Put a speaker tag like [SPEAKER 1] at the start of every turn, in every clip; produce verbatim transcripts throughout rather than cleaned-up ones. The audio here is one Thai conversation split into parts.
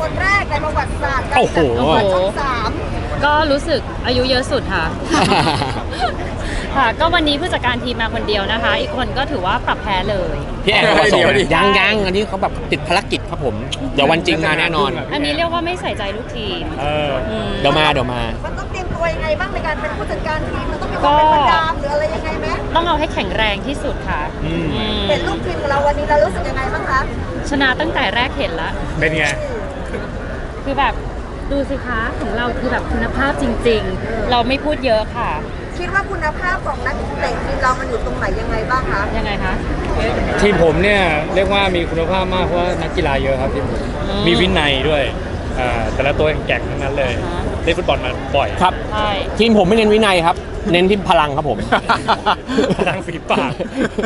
[SPEAKER 1] คนแรกในประวัติศาสตร์การ
[SPEAKER 2] โอ้โห
[SPEAKER 1] จัดประกวดช่องสาม
[SPEAKER 3] ก็รู้สึกอายุเยอะสุดค่ะ ค่ะ ก็วันนี้ผู้จัดการทีมมาคนเดียวนะคะ อีกคนก็ถือว่าปรับแพ้เลย
[SPEAKER 2] พี่แอนเขาผสม
[SPEAKER 4] เดี๋ยวดิ
[SPEAKER 2] ยังยังอันนี้เขาแบบติดภารกิจครับผม เดี๋ยววันจริงมาแน่นอน
[SPEAKER 3] อันนี้เรียกว่าไม่ใส่ใจลูกทีม
[SPEAKER 4] เออ
[SPEAKER 3] ม
[SPEAKER 2] เดี๋ยวมาเดี๋ยวมา
[SPEAKER 1] มันต้องเตรียมตัวยังไงบ้างในการเป็นผู้จัดการทีมมันต้องมีความเป็นประจำหรืออะไรยังไงไหม
[SPEAKER 3] ต้องเอาให้แข็งแรงที่สุดค่ะ
[SPEAKER 4] อืม
[SPEAKER 3] อืม
[SPEAKER 1] เห็นลูกทีมของเราวันนี้เรารู้สึกยังไงบ้างคะ
[SPEAKER 3] ชนะตั้งแต่แรกเห็นละ
[SPEAKER 4] เป็นไง
[SPEAKER 3] คือแบบดูสิคะของเราคือแบบคุณภาพจริง ๆ เราไม่พูดเยอะค่ะ
[SPEAKER 1] คิดว่าคุณภาพของนักเตะทีมเรามันอยู่ตรงไหนยังไงบ้างคะ
[SPEAKER 3] ยังไงคะ
[SPEAKER 4] ทีมผมเนี่ยเรียกว่ามีคุณภาพมากเพราะว่านักกีฬาเยอะครับทีมผม
[SPEAKER 3] อืม
[SPEAKER 4] มีวินัยด้วยอ่าแต่ละตัวแก่งๆทั้งนั้นเลย
[SPEAKER 3] อ่าฮะ
[SPEAKER 4] เล่นฟุตบอลมาบ่อย
[SPEAKER 2] ครับ
[SPEAKER 3] ใช่
[SPEAKER 2] ทีมผมไม่เน้นวินัยครับ เน้นที่พลังครับผม
[SPEAKER 4] พลังฝีปาก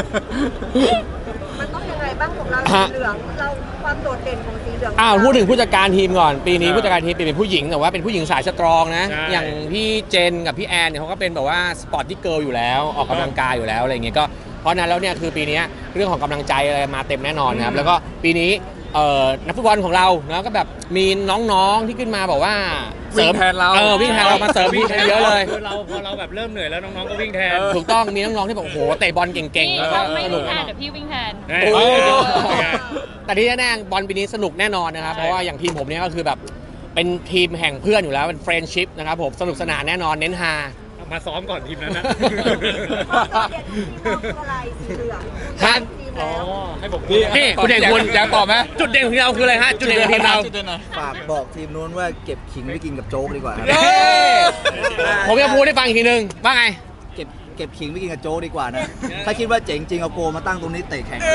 [SPEAKER 1] มันต้องยังไงบ้างของเรา
[SPEAKER 2] ฮะ
[SPEAKER 1] สีเหลืองเราความโดดเด่นของสีเหลือง
[SPEAKER 2] อ้าวพูดถึงผู้จัดการทีมก่อน ปีนี้
[SPEAKER 4] ครับ
[SPEAKER 2] ผู้จัดการทีมเปลี่ยนเป็นผู้หญิงแต่ว่าเป็นผู้หญิงสายสตรองนะ
[SPEAKER 4] ใช่
[SPEAKER 2] อย่างพี่เจนกับพี่แอนเนี่ยเขาก็เป็นแบบว่าสปอร์ตที่เกิร์ลอยู่แล้วออกกำลังกายอยู่แล้วอะไรเงี้ยก็เพราะนั้นแล้วเนี่ยคือปีนี้เรื่องของกำลังใจอะไรมาเต็มแน่นอนนะครับแล้วก็ปีนี้เอ่อนักฟุตบอลของเรานะก็แบบมีน้องๆที่ขึ้นมาบอกว่า
[SPEAKER 5] วิ่งแทนเรา
[SPEAKER 2] เออวิ่งแทนเรามาเสริมพี่เยอะเลย
[SPEAKER 4] คือเราพอเราแบบเริ่มเหนื่อยแล้วน้องๆก็วิ่งแทน
[SPEAKER 2] ถูกต้องมีน้องๆที่แบบโอ้โหเตะบอลเก่งๆ
[SPEAKER 3] นี่
[SPEAKER 2] แล้วก็
[SPEAKER 3] ถ้าไม่
[SPEAKER 2] สนุ
[SPEAKER 3] วิ่
[SPEAKER 2] ก
[SPEAKER 3] งแท
[SPEAKER 2] แน่
[SPEAKER 3] น
[SPEAKER 2] นอน
[SPEAKER 3] เดี๋ยวพี่วิ่งแทน
[SPEAKER 4] เฮ้ย
[SPEAKER 2] โอ้ย
[SPEAKER 4] เป็นไง
[SPEAKER 2] แต่ที่แน่ๆบอลปีนี้สนุกแน่นอนนะครับ เพราะว่าอย่างทีมผมเนี่ยก็คือแบบเป็นทีมแห่งเพื่อนอยู่แล้วเป็นเฟรนชิพนะครับผมสนุกสนานแน่นอนเน้นฮา
[SPEAKER 4] มาซ้อมก่อนทีมนั้นนะ
[SPEAKER 1] ความโดดเด่นของทีมเราคืออะไรสีเหลือง
[SPEAKER 2] ครับ
[SPEAKER 1] ทีม
[SPEAKER 4] อ๋อ
[SPEAKER 1] แล้ว
[SPEAKER 4] ให้ผม
[SPEAKER 5] นี่
[SPEAKER 2] นี่คุณเด่นคุณ
[SPEAKER 5] อยากตอบไหม
[SPEAKER 2] จุดเด่นของเราคืออะไรฮะจุดเด่นของทีมเรา
[SPEAKER 6] ฝากบอกทีมนู้นว่าเก็บขิงไว้กินกับโจ๊กดีกว่าครับ
[SPEAKER 2] เย้ผมจะพูดให้ฟังอีกทีนึงว่าไง
[SPEAKER 6] เก็บเก็บขิงไว้กินกับโจ๊กดีกว่านะ ถ้าคิดว่าเจ๋งจริงเอาโกมาตั้งตรงนี้เตะแข่ง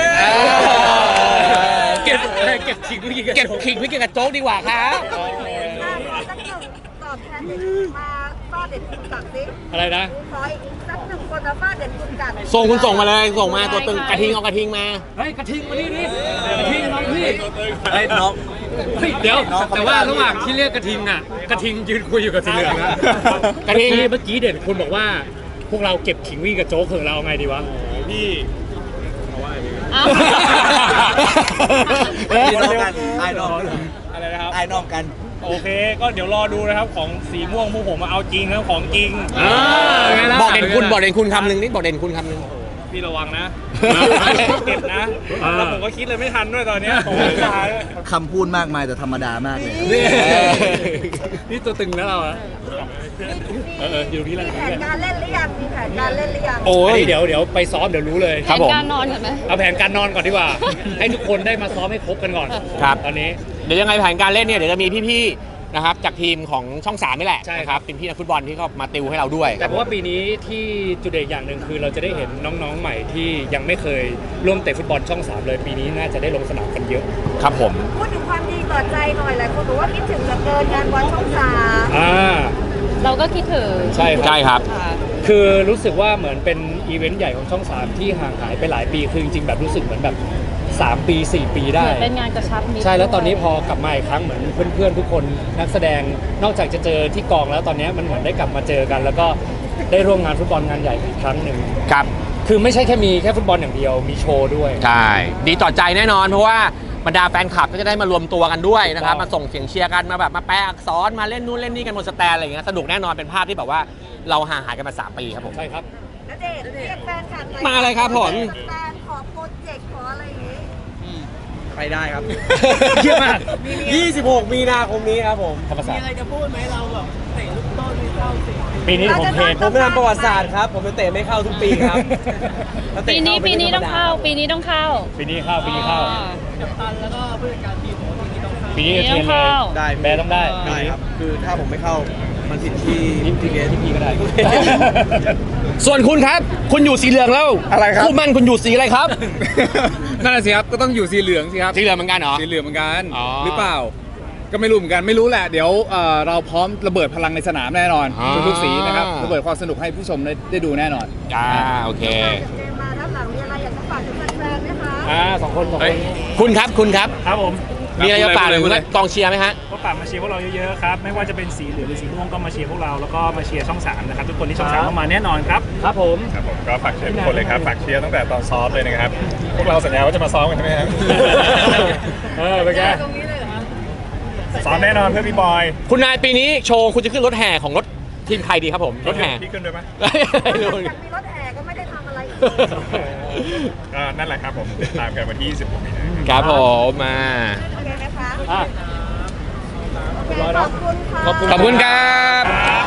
[SPEAKER 2] เก็บ
[SPEAKER 4] เก็บขิงไม่กิน
[SPEAKER 2] เก็บขิงไว้กินกับโจ๊กดีกว่าครับ
[SPEAKER 1] ขอสักหนึ่งตอบแทนเด็กมาฟาดเด่นคุณกัดสิ
[SPEAKER 4] อะไรนะ
[SPEAKER 1] ขออีกสักหนึ่งคนมาฟาดเด่นคุณกัด
[SPEAKER 2] ส่งคุณส่งมาเลยส่งมาตัวตึงกระทิงเอากระทิงมา
[SPEAKER 4] เฮ้ยกระทิงมานี่นี่กระทิงน้องพี่
[SPEAKER 6] ไอ้ยน้อง
[SPEAKER 4] เฮ้ยเดี๋ยว
[SPEAKER 6] น้องเขา
[SPEAKER 4] แต่ว่าระหว่างที่เรียกกระทิงอ่ะกระทิงยืนคุยอยู่กับสีเหลืองนะ
[SPEAKER 2] กระทิง
[SPEAKER 4] เมื่อเมื่อกี้เด่นคุณบอกว่า พวกเราเก็บขิงวิ่งกับโจ๊กของเราไงดีวะพี่
[SPEAKER 3] อ้าว
[SPEAKER 6] ไอ้น้องกันไอ้น้อง
[SPEAKER 4] อะไรนะครับ
[SPEAKER 6] ไอ้น้องกัน
[SPEAKER 4] โอเค ก็เดี๋ยวรอดูนะครับของสีม่วงพวกผมมาเอาจริงแล้วของจริง
[SPEAKER 2] อ่าบอกเด่นคุณบอกเด่นคุณคำหนึ่งนี่บอกเด่นคุณคำหนึ่ง
[SPEAKER 4] พี่ระวังนะเก็บนะแล้วผมก็คิดเลยไม่ทันด้วยตอนเนี้ยผมไม่ทัน
[SPEAKER 6] คำพูดมากมายแต่ธรรมดามากเลย
[SPEAKER 4] นี่ตัวตึงแล้วเราอะเออเอออยู่ตรงนี้แหละ
[SPEAKER 1] มีแผนการเล่นหรือยังมีแผนการเล่นหรือยัง
[SPEAKER 2] โอ้ย
[SPEAKER 4] เดี๋ยวเดี๋ยวไปซ้อมเดี๋ยวรู้เลย
[SPEAKER 2] ครับผม
[SPEAKER 3] แผนการนอนก่อนไหม
[SPEAKER 4] เอาแผนการนอนก่อนดีกว่า ให้ทุกคนได้มาซ้อมให้ครบกันก่อน
[SPEAKER 2] ครับ
[SPEAKER 4] ตอนนี้
[SPEAKER 2] เดี๋ยวยังไงแผนการเล่นเนี่ยเดี๋ยวจะมีพี่ๆนะครับจากทีมของช่องสามนี่แหละ
[SPEAKER 4] ใช่
[SPEAKER 2] นะ
[SPEAKER 4] ค
[SPEAKER 2] ค
[SPEAKER 4] รั
[SPEAKER 2] รับ บเป็นพี่นักฟุตบอลที่เขามาติวให้เราด้วย
[SPEAKER 4] แต่เพราะว่าปีนี้ที่จุดเด่นอย่างหนึ่งคือเราจะได้เห็นน้องๆใหม่ที่ยังไม่เคยร่วมเตะฟุตบอลช่องสามเลยปีนี้น่าจะได้ลงสนามกันเยอะ
[SPEAKER 2] ครับผม
[SPEAKER 1] พูดถึงความดีต่อใจหน่อยหลายคนบอกว่าคิดถึงเหลือเกินงานบอลช่องสาม
[SPEAKER 4] อ่า
[SPEAKER 3] เราก็คิดถึง
[SPEAKER 4] ใช่ครับ
[SPEAKER 2] ใช่ครับ
[SPEAKER 3] ค่ะ
[SPEAKER 4] คือรู้สึกว่าเหมือนเป็นอีเวนต์ใหญ่ของช่องสามที่ห่างหายไปหลายปีคือจริงๆแบบรู้สึกเหมือนแบบสามปีสี่ปี
[SPEAKER 3] เห
[SPEAKER 4] ได้
[SPEAKER 3] มือนเป็นงานกระชับมิตร
[SPEAKER 4] ใช่แล้วตอนนี้
[SPEAKER 3] ด้วย
[SPEAKER 4] พอกลับมาอีกครั้งเหมือนเพื่อนๆทุกคนนักแสดงนอกจากจะเจอที่กองแล้วตอนนี้มันเหมือนได้กลับมาเจอกัน แล้วก็ได้ร่วมงานฟุตบอลงานใหญ่อีกครั้งหนึ่ง
[SPEAKER 2] ครับ
[SPEAKER 4] คือไม่ใช่แค่มีแค่ฟุตบอลอย่างเดียวมีโชว์ด้วย
[SPEAKER 2] ใช่ดีต่อใจแน่นอนเพราะว่าบรรดาแฟนคลับก็จะได้มารวมตัวกันด้วยนะครับ
[SPEAKER 4] ถูกต้อง
[SPEAKER 2] มาส่งเสียงเชียร์กันมาแบบมาแปลอักษรมาเล่นนู่นเล่นนี่กันบนสแตนอะไรอย่างเงี้ยสนุกแน่นอนเป็นภาพที่แบบว่าเราห่างหายกันมาสามปีครับผม
[SPEAKER 4] ใช่ครับ
[SPEAKER 1] ณเดชน์เรียกแฟนคลับหน่อ
[SPEAKER 2] มาเลยครับผม
[SPEAKER 1] แฟนขอโปรเจกต์ขออะไรอย่างงี้
[SPEAKER 5] ไปได้ครับ
[SPEAKER 4] เยี่ยมมาก
[SPEAKER 5] ยี่สิบหกมีนาคมนี้ครับผม
[SPEAKER 4] ธรรมศาสตร์
[SPEAKER 1] อะไรจะพูดไหมเราแบบเตะลูกต้นไม่เข้าสิ
[SPEAKER 4] ปีนี้ผมเทรน
[SPEAKER 5] ผมไม่ทำประวัติศาสตร์ครับ ผมจะเตะไม่เข้าทุกปีครับถ้าเตะ
[SPEAKER 3] ปีนี้
[SPEAKER 5] เข้า
[SPEAKER 3] ปีนี้
[SPEAKER 5] ไม่
[SPEAKER 3] ต้องเข้า ปีนี้ต้องเข้า
[SPEAKER 4] ปีนี้เข้าปีนี้เข้า
[SPEAKER 3] อ๋อ
[SPEAKER 4] ปีนี้
[SPEAKER 3] ปีนี้
[SPEAKER 4] เทร
[SPEAKER 3] ต้อน ง
[SPEAKER 4] เล
[SPEAKER 3] เข้า
[SPEAKER 4] ย
[SPEAKER 5] ได้
[SPEAKER 4] แบร์ต้องได้
[SPEAKER 5] ได้ครับ คือถ้าผมไม่เข้ามันผิดที่ที่เกที่พี่ก็ได้
[SPEAKER 2] ส่วนคุณครับ คุณอยู่สีเหลืองแล้ว
[SPEAKER 5] อะไรครับ
[SPEAKER 2] คู่มั่นคุณอยู่สีอะไรครับ
[SPEAKER 5] นั่นแหละสิครับก็ต้องอยู่สีเหลืองสิครับ
[SPEAKER 2] สีเหลืองเหมือนกันเหรอ
[SPEAKER 5] สีเหลืองเหมือนกัน
[SPEAKER 2] อ๋อ
[SPEAKER 5] หรือเปล่า ก็ไม่รู้เหมือนกันไม่รู้แหละเดี๋ยวเอ่อเราพร้อมระเบิดพลังในสนามแน่นอน
[SPEAKER 2] อ่า
[SPEAKER 5] ทุกๆสีนะครับระเบิดความสนุกให้ผู้ชมได้ได้ดูแน่นอน
[SPEAKER 2] อ่าโอเค
[SPEAKER 1] เจมมาด้านหลังมีอะไรอยากจะฝากถึงแฟนๆไหมคะ
[SPEAKER 4] อ่าสองคนสอง
[SPEAKER 5] เฮ้
[SPEAKER 4] ค
[SPEAKER 5] ย
[SPEAKER 4] น
[SPEAKER 2] คุณครับคุณครับ
[SPEAKER 7] ครับผม
[SPEAKER 2] มีอะไรจะฝากถึง
[SPEAKER 5] พูดเลย
[SPEAKER 2] กองเชียร์ไหมฮะ
[SPEAKER 7] ก็ฝากมาเชียร์พวกเราเยอะๆครับไม่ว่าจะเป็นสีเหลืองหรือสีม่วงก็มาเชียร์พวกเราแล้วก็มาเชียร์ช่องสามนะครับทุกคนที่ช่องสามเข้ามาแน่นอนครับ
[SPEAKER 4] ครับผม
[SPEAKER 8] ครับผมก็ฝากเชียร์ทุกคนเลยครับฝากเชียร์ตั้งแต่ตอนซ้อมเลยนะครับ พวกเราสัญญาว่าจะมาซ้อมกันใช่ไหมครับ
[SPEAKER 4] เออเป็นไง
[SPEAKER 1] ตรงนี้เลยเหรอคะ
[SPEAKER 8] ซ้อมแน่นอนเพื่อพี่บอย
[SPEAKER 2] คุณนายปีนี้โชว์คุณจะขึ้นรถแห่ของรถทีมใครดีครับผมรถแห่
[SPEAKER 8] พี่ขึ้นด้วยไหม
[SPEAKER 2] ไม่รู้
[SPEAKER 1] อยากมีรถแห่ก็ไม่ได้ทำอะไรอีก
[SPEAKER 8] ก็นั่นแหละครับผมติดตามกันวันที่ยี่สิบหกมีนาคม
[SPEAKER 2] ครับผมมา
[SPEAKER 1] โอเคไหมคะ
[SPEAKER 4] อ่ะ
[SPEAKER 1] โอเคขอบคุณค่ะ
[SPEAKER 4] ขอบคุณ
[SPEAKER 2] ขอบคุณครับ